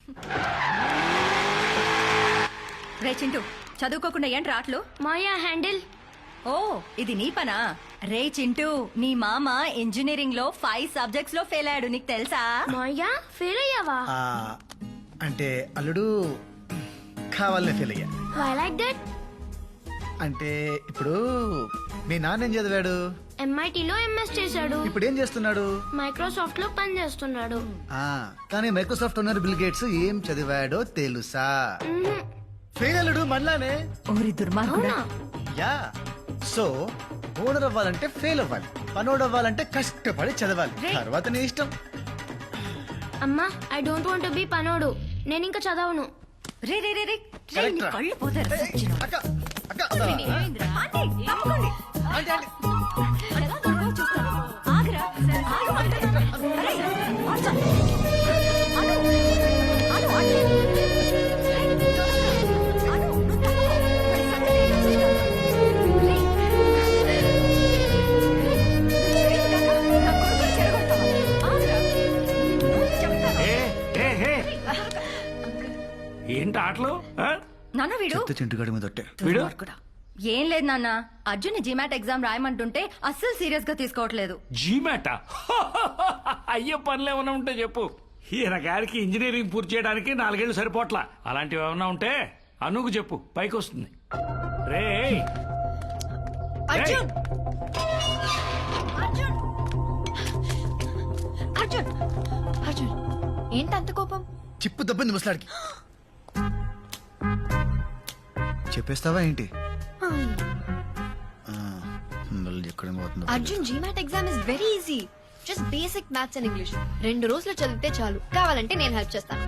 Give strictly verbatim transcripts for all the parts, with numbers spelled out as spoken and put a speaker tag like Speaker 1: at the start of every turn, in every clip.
Speaker 1: రే చింటూ, చదువుకోకుండా ఏంటి రాట్లు?
Speaker 2: మాయా హ్యాండిల్.
Speaker 1: ఓ ఇది నీ పనా? రే చింటూ, నీ మామ ఇంజనీరింగ్ లో ఫైవ్ సబ్జెక్ట్స్ లో ఫెయిల్ అయ్యాడు, నీకు తెలుసా?
Speaker 2: మాయా ఫెయిల్ అయ్యావా?
Speaker 3: ఆ, అంటే అల్లుడు కావాలనే ఫెయిల్ అయ్యా.
Speaker 2: Why like that?
Speaker 3: అంటే ఇప్పుడు మీ నాన్న ఏం చదివాడు?
Speaker 2: ఎంఐటీలో ఎంఎస్ చేశాడు.
Speaker 3: ఇప్పుడు ఏం చేస్తున్నాడు?
Speaker 2: మైక్రోసాఫ్ట్ లో పని చేస్తున్నాడు.
Speaker 3: ఆ, కానీ మైక్రోసాఫ్ట్ ఓనర్ బిల్ గేట్స్ ఏం చదివాడో తెలుసా? ఫెయిల్ అల్లుడు మనలానే.
Speaker 1: ఓరి దుర్మార్గుడా.
Speaker 3: యా, సో ఓనర్ అవ్వాలంటే ఫెయిల్ అవ్వాలి, పనోడు అవ్వాలంటే కష్టపడి చదవాలి, తర్వాత నీ ఇష్టం.
Speaker 2: అమ్మా, I don't want to be పనోడు. నేను ఇంకా చదవను.
Speaker 1: రే రే రే రే రే, నీ కళ్ళు పోతారు.
Speaker 3: ఏయ్, అక్క అక్క
Speaker 1: ఏమైందిరా? ఆంటీ, తప్పకండి.
Speaker 3: Aunty, aunty.
Speaker 1: ఎలా దొరకవో చూస్తాను. ఆగురా. ఆగు అంటున్నాను. అరే, ఆగు. అను, అను, అను. రేయ్, చూస్తా. అను, నువ్వు తప్పకు. మరి సంగతి ఏంటో చూస్తాను. రేయ్. రేయ్, కాకా, నా కొడుకుని చెడగొడతావా? ఆగురా. నువ్వు చెప్తాను.
Speaker 4: ఏ, ఏ, ఏ. ఏంటి ఆటలు ఆ?
Speaker 1: నాన్న వీడు
Speaker 3: చెత్త చింటుగాడి మీద ఒట్టే.
Speaker 4: వీడు?
Speaker 1: దుర్మార్గుడా. ఏం లేదు నాన్న, అర్జున్ జీమాట్ ఎగ్జామ్ రాయమంటుంటే అస్సలు సీరియస్ గా తీసుకోవట్లేదు.
Speaker 4: జీమాటా? అయ్యే పనులు ఏమైనా ఉంటే చెప్పు. ఈయన గారికి ఇంజనీరింగ్ పూర్తి చేయడానికి నాలుగేళ్లు సరిపోట్లా. అలాంటివి ఏమైనా ఉంటే అనుకు చెప్పు, పైకి వస్తుంది. రే
Speaker 1: అర్జున్ అర్జున్ అర్జున్ అర్జున్ ఏంటంత కోపం?
Speaker 3: చిప్పు దెబ్బని ముసలాడికి చెప్పేస్తావా ఏంటి? ఆ, మళ్ళీ ఎక్కడ పోతుందో.
Speaker 5: Arjun GMAT exam is very easy. Just basic maths and English. రెండు రోజులు చదివితే చాలు. కావాలంటే నేను హెల్ప్ చేస్తాను.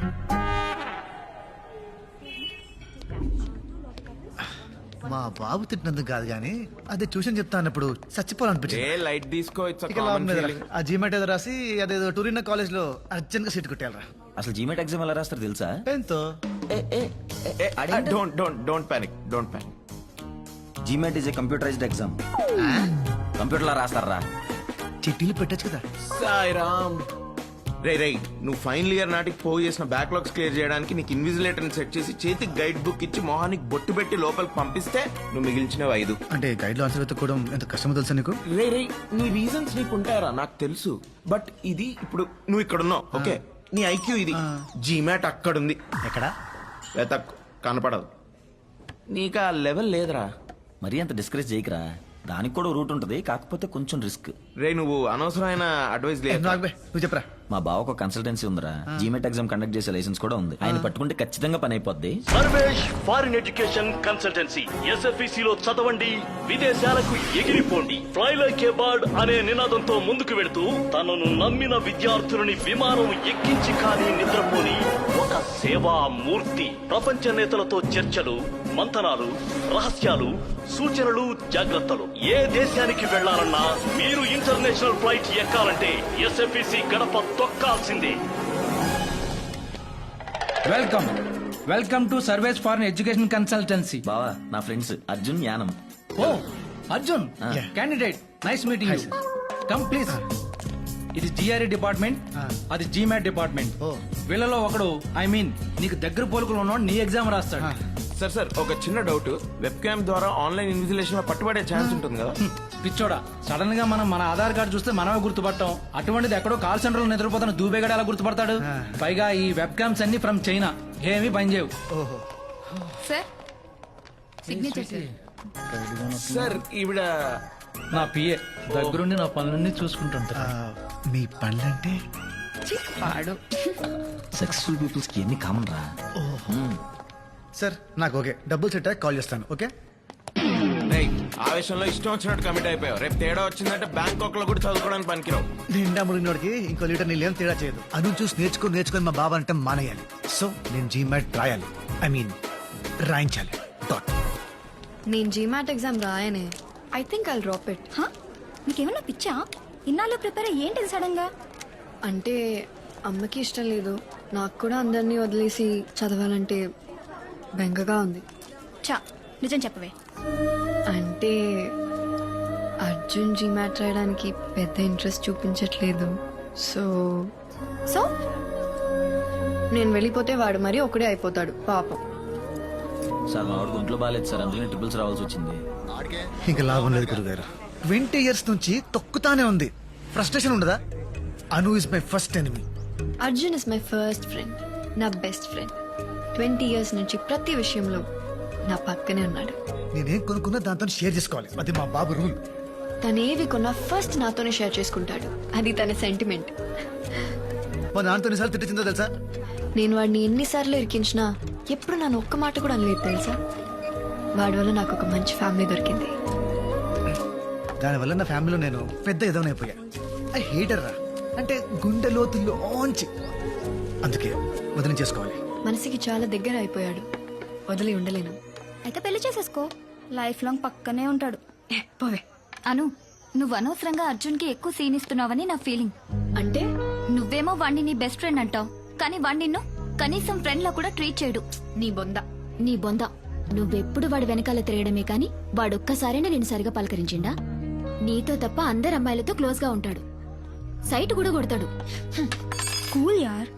Speaker 3: మా బాబు తిట్టినందుకు కాదు గానీ అదే ట్యూషన్ చెప్తా అన్నప్పుడు చచ్చిపోవాలనిపించింది.
Speaker 6: ఏ లైట్ తీసుకో, it's a
Speaker 3: ఇక లాభం
Speaker 6: common
Speaker 3: లేదురా.
Speaker 6: feeling.
Speaker 3: ఆ జీమెట్ ఏదో రాసి అదేదో టూరిన్ కాలేజ్ లో అర్జెంట్ గా సీట్ కొట్టేయాలరా.
Speaker 7: అసలు జీమెట్ ఎగ్జామ్ ఎలా రాస్తారు తెలుసా?
Speaker 3: పెన్తో.
Speaker 6: Eh, uh, don't don't don't panic, don't panic.
Speaker 7: GMAT is a computerized exam. Computer లో రాస్తారా?
Speaker 3: చిట్టీలు పెట్టచ్చు కదా.
Speaker 6: సాయిరామ్. రే రే నువ్వు ఫైనల్ ఇయర్ నాటికి పోగు చేసిన బ్యాక్లాగ్స్ క్లియర్ చేయడానికి నీకు ఇన్విజిలేటర్ సెట్ చేసి చేతికి గైడ్ బుక్ ఇచ్చి మొహానికి బొట్టు పెట్టి లోపలికి పంపిస్తే నువ్వు మిగిల్చినవి ఐదు.
Speaker 3: అంటే గైడ్ లో ఆన్సర్ వెతుక్కోవడం ఎంత కష్టమో తెలుసా నీకు?
Speaker 6: రే రే నీ రీజన్స్ నీకు ఉంటాయరా, నాకు తెలుసు. బట్ ఇది ఇప్పుడు నువ్వు ఇక్కడ ఉన్నావు, ఓకే? నీ ఐక్యూ ఇది. జీమాట్ అక్కడుంది.
Speaker 3: ఎక్కడ?
Speaker 6: వెతక్ కనపడదు. నీకు ఆ లెవెల్ లేదురా.
Speaker 7: మరీ అంత డిస్కరేజ్ చేయకరా, దానికి కూడా రూట్ ఉంటది, కాకపోతే కొంచెం రిస్క్.
Speaker 6: రే నువ్వు అనవసరమైన అడ్వైస్ లేదు.
Speaker 3: నువ్వు చెప్పరా.
Speaker 7: మా బావకు కన్సల్టెన్సీ ఉందిరా, జీమెట్ ఎగ్జామ్ కండక్ట్ చేసే లైసెన్స్ కూడా ఉంది. ఆయన పట్టుకుంటే ఖచ్చితంగా పని అయిపోద్ది.
Speaker 8: Sarvesh foreign education consultancy. SFEC లో చదవండి, విదేశాలకు ఎగిరిపోండి. ఫ్లై లైక్ ఏ బర్డ్ అనే నినాదంతో ముందుకు వెళుతూ తనను నమ్మిన విద్యార్థులని విమానం ఎక్కించి కానీ నిద్రపోని ఒక సేవా మూర్తి. ప్రపంచ నేతలతో చర్చలు, మంతనాలు, రహస్యాలు, సూచనలు, జాగ్రత్తలు. ఏ దేశానికి వెళ్లాలన్నా మీరు ఇంటర్నేషనల్ ఫ్లైట్ ఎక్కాలంటే ఎస్ఎఫ్ఈసి గడప తొక్కాల్సిందే.
Speaker 9: Welcome welcome to Sarvesh for education consultancy.
Speaker 7: బావా నా ఫ్రెండ్స్ అర్జున్ యానం.
Speaker 9: ఓ Arjun, candidate, nice meeting you. Come please. ఇది జిఆర్ఈ డిపార్ట్మెంట్, అది జీమాట్ డిపార్ట్మెంట్. వీళ్ళలో ఒకడు, ఐ మీన్ నీకు దగ్గర పోలుకులు ఉన్నవాడు నీ ఎగ్జామ్ రాస్తాడు.
Speaker 6: సార్ సార్ ఒక చిన్న డౌట్. వెబ్ క్యామ్ ద్వారా ఆన్లైన్ ఇన్విజిలేషన్ లో పట్టుబడే ఛాన్స్ ఉంటుంది కదా?
Speaker 9: పిచ్చోడా, సడన్ గా మనం మన ఆధార్ కార్డు చూస్తే మనమే గుర్తుపట్టాం. అటువంటిది ఎక్కడో కాల్ సెంటర్ లో నిద్రపోతున్న దూబేగాడు ఎలా గుర్తుపడతాడు? పైగా ఈ వెబ్ క్యామ్స్ అన్ని ఫ్రమ్ చైనా, ఏమీ పనిచేయవు.
Speaker 5: Sir signature sir.
Speaker 6: సార్ ఈవిడ
Speaker 9: నా పిఏ దగ్గరుండి నా పనులన్నీ చూసుకుంటుంటా.
Speaker 3: మీ పనులంటే
Speaker 7: సక్సెస్ఫుల్ పీపుల్స్ కి ఎన్ని కామన్ రా.
Speaker 3: సార్ నాకు ఓకే, డబ్బులు సెట్ కాల్ చేస్తాను. ఓకే
Speaker 6: ఆవేశంలో ఇష్టం వచ్చినట్టు కమిట్ అయిపోయావు. రేపు తేడా వచ్చిందంటే బ్యాంకాక్ లో కూడా చదువుకోవడానికి పనికిరావు.
Speaker 3: నిండా ముడినోడికి ఇంకో లీటర్ నీళ్ళు ఏం తేడా చేయదు. అను చూసి నేర్చుకుని నేర్చుకుని మా బాబా అంటే మానేయాలి. సో నేను జీమాట్ రాయాలి, ఐ మీన్ రాయించాలి. డాట్.
Speaker 5: నేను జీమాట్ ఎగ్జామ్ రాయనే. I think I'll drop it.
Speaker 1: నీకేమన్నా పిచ్చా? ఇన్నాళ్ళు ప్రిపేర్ ఏంటిది సడన్ గా?
Speaker 5: అంటే అమ్మకి ఇష్టం లేదు, నాకు కూడా అందరినీ వదిలేసి చదవాలంటే బెంగగా ఉంది.
Speaker 1: చా నిజం చెప్పవే.
Speaker 5: అంటే అర్జున్ జీమాట్ రాయడానికి పెద్ద ఇంట్రెస్ట్ చూపించట్లేదు. సో
Speaker 1: సో
Speaker 5: నేను వెళ్ళిపోతే వాడు మరీ ఒకడే అయిపోతాడు పాపం.
Speaker 7: సార్ మా వాడికి ఒంట్లో బాగాలేదు సార్, అందుకని ట్రిపుల్స్ రావాల్సి వచ్చింది.
Speaker 3: ఇంకా లాభం లేదు గురుగారు. ట్వంటీ ఇయర్స్ నుంచి తొక్కుతానే ఉంది. ఫ్రస్ట్రేషన్ ఉండదా? Anu is my first enemy.
Speaker 5: Arjun is my first friend, నా బెస్ట్ ఫ్రెండ్. ట్వంటీ ఇయర్స్ నుంచి ప్రతి విషయంలో నా పక్కనే ఉన్నాడు.
Speaker 3: నేనేం కొనుక్కున్నా దాంతో షేర్ చేసుకోవాలి, అది మా బాబు రూల్.
Speaker 5: తనేవి కొన్నా ఫస్ట్ నాతోనే షేర్ చేసుకుంటాడు, అది తన సెంటిమెంట్.
Speaker 3: మా నాన్నతో ఎన్నిసార్లు తిట్టిందో తెలుసా?
Speaker 5: నేను వాడిని ఎన్నిసార్లు ఇరికించినా ఎప్పుడు నన్ను ఒక్క మాట కూడా అనలేదు తెలుసా. వాడి వల్ల నాకు ఒక మంచి ఫ్యామిలీ దొరికింది.
Speaker 3: దానివల్ల నా ఫ్యామిలీలో నేను పెద్ద ఎదవనైపోయా. ఐ హేటర్ రా, అంటే గుండె లోతుల్లోంచి. అందుకే వదిలి చేసుకోవాలి.
Speaker 5: మనసుకి చాలా దగ్గర అయిపోయాడు, వదిలి ఉండలేను.
Speaker 1: అయితే పెళ్లి చేసేసుకో, లైఫ్ లాంగ్ పక్కనే ఉంటాడు.
Speaker 5: ఏ, పోవే.
Speaker 1: అను, నువ్వు అనవసరంగా అర్జున్కి ఎక్కువ సీన్ ఇస్తున్నావని నా ఫీలింగ్.
Speaker 5: అంటే
Speaker 1: నువ్వేమో వాణ్ణి నీ బెస్ట్ ఫ్రెండ్ అంటావు, కానీ వాణ్ణి నిన్ను కనీసం ఫ్రెండ్ లా కూడా ట్రీట్ చేయడు.
Speaker 5: నీ బొంద.
Speaker 2: నీ బొంద. నువ్వెప్పుడు వాడి వెనకాల తిరగడమే కాని వాడొక్కసారైనా నేను సరిగా పలకరించిండా? నీతో తప్ప అందరు అమ్మాయిలతో క్లోజ్ గా ఉంటాడు, సైట్ కూడా కొడతాడు.
Speaker 1: కూల్ యార్.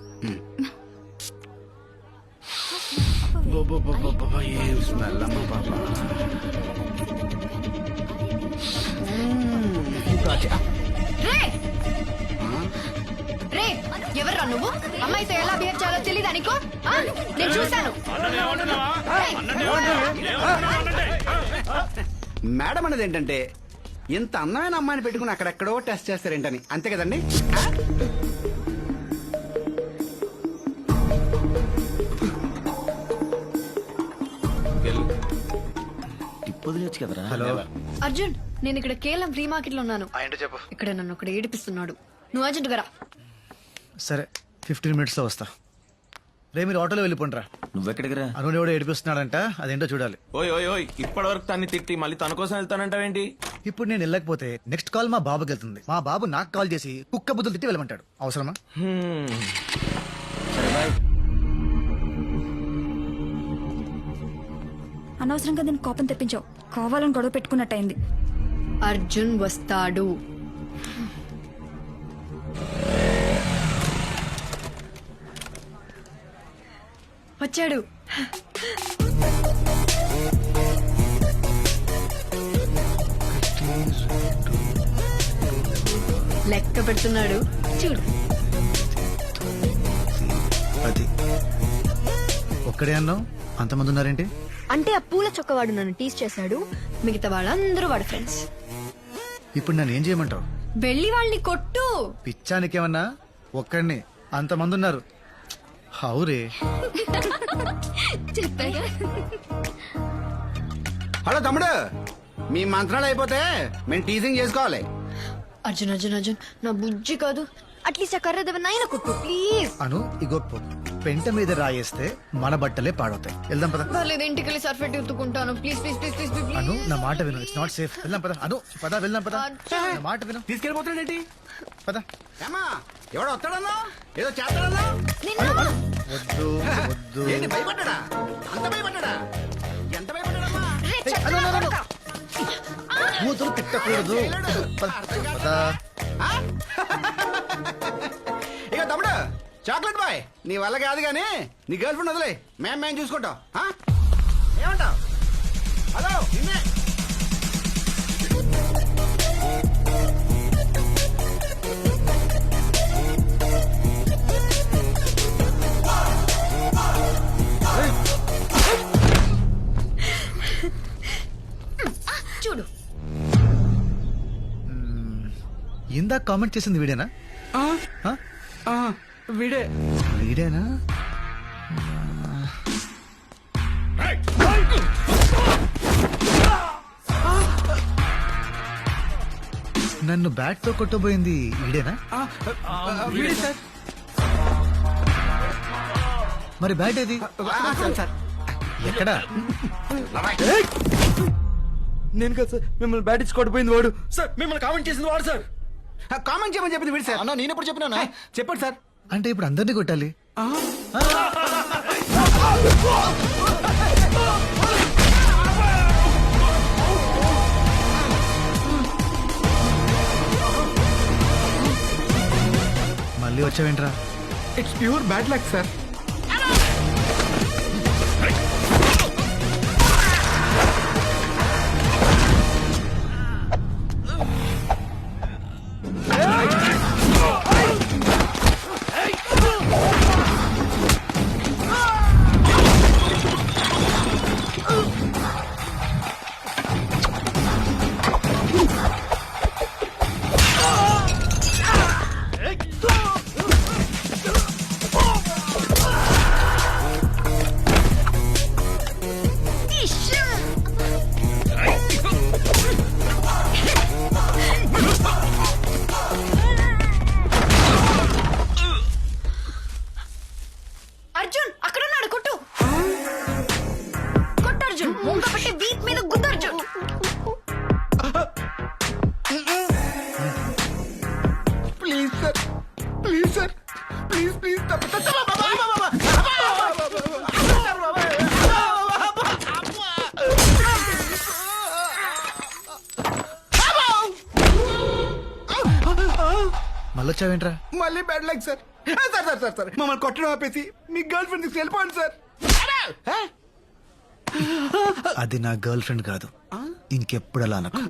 Speaker 5: రే, ఎవర్రా నువ్వు? అమ్మాయితో ఎలా బిహేవ్ చేయాలో తెలీదా నీకు? ఆ? నేను చూశాను.
Speaker 10: మేడం అనేది ఏంటంటే ఇంత అందమైన అమ్మాయిని పెట్టుకుని అక్కడెక్కడో టెస్ట్ చేస్తారేంటని, అంతే కదండి?
Speaker 7: టిప్ వదిలేచ్చు కదరా.
Speaker 3: హలో
Speaker 5: అర్జున్, నేను ఇక్కడ కేవలం ఫ్రీ మార్కెట్ లో ఉన్నాను.
Speaker 3: ఏంటో చెప్పు.
Speaker 5: ఇక్కడ నన్ను ఒకటి ఏడిపిస్తున్నాడు. నువ్వు అర్జెంట్ గా రా.
Speaker 3: సరే, ఫిఫ్టీన్ మినిట్స్ లో వస్తా. రే, మీరు ఆటోలో వెళ్ళిపోండిరా.
Speaker 7: నువ్వెక్కడికి రా?
Speaker 3: అను ఎవడో ఏడిపిస్తున్నాడంట, అదేంటో చూడాలి.
Speaker 6: ఓయ్ ఓయ్ ఓయ్ ఇప్పటి వరకు తన్ని తిట్టి మళ్ళీ తన కోసం వెళ్తానంటావేంటి?
Speaker 3: ఇప్పుడు నేను వెళ్ళకపోతే నెక్స్ట్ కాల్ మా బాబుకి వెళ్తుంది. మా బాబు నాకు కాల్ చేసి కుక్క బుద్ధులు తిట్టి వెళ్ళమంటాడు. అవసరమా?
Speaker 6: హ్మ్.
Speaker 7: సరే బాయ్.
Speaker 1: అనవసరంగా దీనికి కోపం తెప్పించావు, కావాలని గొడవ పెట్టుకున్నట్టయింది.
Speaker 5: అర్జున్ వస్తాడు. వచ్చాడు. లెక్క పెడుతున్నాడు చూడు.
Speaker 3: అది ఒక్కడే అన్నావు, అంతమంది ఉన్నారేంటి?
Speaker 5: అంటే ఆ పూల చొక్కవాడు నన్ను టీస్ చేశాడు, మిగతా వాళ్ళందరూ వాడు ఫ్రెండ్స్.
Speaker 3: ఇప్పుడు నన్ను ఏం చేయమంటావు?
Speaker 5: వెళ్ళి వాళ్ళని కొట్టు.
Speaker 3: పిచ్చానికేమన్నా? ఒక్కడిని అంతమంది ఉన్నారు. హౌరే.
Speaker 10: హలో తమ్ముడు, మీ మంత్రాలు అయిపోతే మేము టీజింగ్ చేసుకోవాలి.
Speaker 5: అర్జున్ అర్జున్ అర్జున్, నా బుజ్జి కాదు, అట్లీస్ట్ ఆ కర్ర దేవనాయన కొట్టు ప్లీజ్.
Speaker 3: అను ఇగో పో. పెంట మీద రాయేస్తే మన బట్టలే పాడవుతాయి. వెళ్దాం పద.
Speaker 5: పర్లేదు, ఇంటికి వెళ్ళి సర్ఫెట్ ఎత్తుకుంటాను. Please please please please please.
Speaker 3: Anu నా మాట విను, ఇట్స్ నాట్ సేఫ్. వెళ్దాం పద. అను పద, వెళ్దాం పద. నా మాట విను,
Speaker 10: తీసుకెళ్ళిపోతాడేంటి?
Speaker 3: పద.
Speaker 10: ఏమా ఎవడో వస్తాడన్నా, ఏదో చేస్తాడన్నా?
Speaker 3: వద్దు వద్దు.
Speaker 10: ఏంటి భయపడ్డా? అంత భయపడ్డా? ఎంత భయపడ్డాడమ్మా?
Speaker 3: ఏయ్, అను, అను, అను. కూతురు తిట్టకూడదు. పద, పద.
Speaker 10: ఆ? ఇక తమ్ముడు, చాక్లెట్ బాయ్ నీ వల్ల కాదు కానీ నీ గర్ల్ ఫ్రెండ్ వదిలే, మేము మేము చూసుకుంటాం. ఆ? ఏమంటావ్? హలో నిన్నే.
Speaker 5: చూడు.
Speaker 3: ఇందాక కామెంట్ చేసింది వీడేనా? ఆ?
Speaker 10: వీడే
Speaker 3: వీడేనా? నన్ను బ్యాట్ తో కొట్టబోయింది వీడేనా?
Speaker 10: వీడే సార్.
Speaker 3: మరి బ్యాట్ ఏది?
Speaker 10: సార్
Speaker 3: ఎక్కడా?
Speaker 10: నేను కదా సార్ మిమ్మల్ని బ్యాట్ ఇచ్చి కొట్టిపోయింది వాడు. సార్ మిమ్మల్ని కామెంట్ చేసింది వాడు సార్. కామెంట్ చేయమని చెప్పింది వీడు సార్.
Speaker 3: అన్నా నేను ఎప్పుడు చెప్పినా?
Speaker 10: చెప్పండి సార్.
Speaker 3: అంటే ఇప్పుడు అందరినీ కొట్టాలి? మళ్ళీ వచ్చావేంట్రా?
Speaker 10: It's pure bad luck sir.
Speaker 5: Arjun అక్కడ ఉన్నాడు కొట్టు కొట్టు అర్జున్ ముంగ పెట్టి వీప్ మీద గుద్దు Arjun
Speaker 10: please sir please sir please please
Speaker 3: మళ్ళొచ్చావేంట్రా?
Speaker 10: మళ్ళీ bad luck sir sir sir sir sir మమ్మల్ని కొట్టడం ఆపేసి మీ గర్ల్ ఫ్రెండ్ తీసుకు వెళ్ళిపోండి సార్
Speaker 3: అది నా గర్ల్ ఫ్రెండ్ కాదు, ఇంకెప్పుడు అలా అనకు.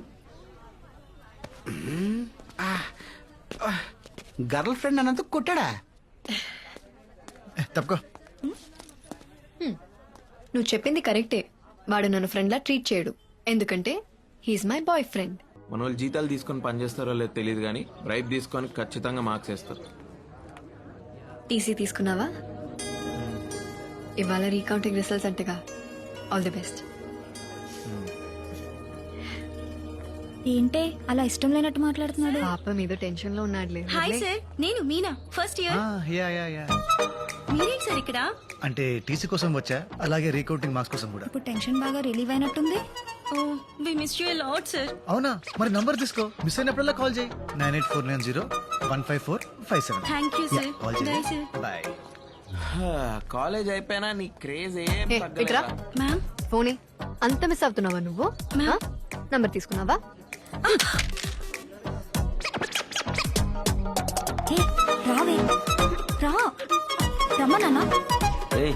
Speaker 10: గర్ల్ ఫ్రెండ్ అన్నంత కొట్టాడా?
Speaker 3: ఏ, తప్పుకో.
Speaker 5: నువ్వు చెప్పింది కరెక్టే. వాడు నన్ను ఫ్రెండ్లా ట్రీట్ చేయడు, ఎందుకంటే హీఈస్ మై బాయ్ ఫ్రెండ్.
Speaker 6: మన వాళ్ళు జీతాలు తీసుకొని పనిచేస్తారో లేదో తెలియదు కానీ బ్రైబ్ తీసుకొని ఖచ్చితంగా మార్క్స్ వేస్తారు.
Speaker 5: టీసీ తీసుకున్నావా? ఇవాళ రీకౌంటింగ్ రిజల్ట్స్ అంటగా. All the best.
Speaker 2: ఏంటే అలా ఇష్టం లేనట్టు మాట్లాడుతున్నాడు?
Speaker 5: పాప మీద టెన్షన్ లో ఉన్నాడులే.
Speaker 2: హాయ్ సార్, నేను మీనా, ఫస్ట్ ఇయర్.
Speaker 3: ఆ, యా యా యా.
Speaker 2: మీరేంటి సార్ ఇక్కడ?
Speaker 3: అంటే టీసీ కోసం వచ్చా, అలాగే రీకౌంటింగ్ మార్క్స్ కోసం కూడా.
Speaker 2: ఇప్పుడు టెన్షన్ బాగా రిలీవ్ అయినట్టుంది. Oh we miss you lot sir.
Speaker 3: అవునా? మరి నంబర్ తీసుకో, మిస్ అయినప్పుడల్లా కాల్ చేయి. Nine eight four nine zero one five four five seven.
Speaker 2: Thank you sir.
Speaker 3: Call
Speaker 2: bye
Speaker 3: చేయి.
Speaker 2: సార్.
Speaker 3: బాయ్.
Speaker 6: కాలేజ్ అయిపోయినా నీ క్రేజ్ ఏం
Speaker 5: ఏ, ఇట్రా.
Speaker 6: తగ్గలేదా?
Speaker 2: మ్యామ్
Speaker 5: ఫోనే అంత మిస్ అవుతున్నావా నువ్వు? నంబర్ తీసుకున్నావా?
Speaker 2: ఏ రావే రా రమ్మా నాన్న.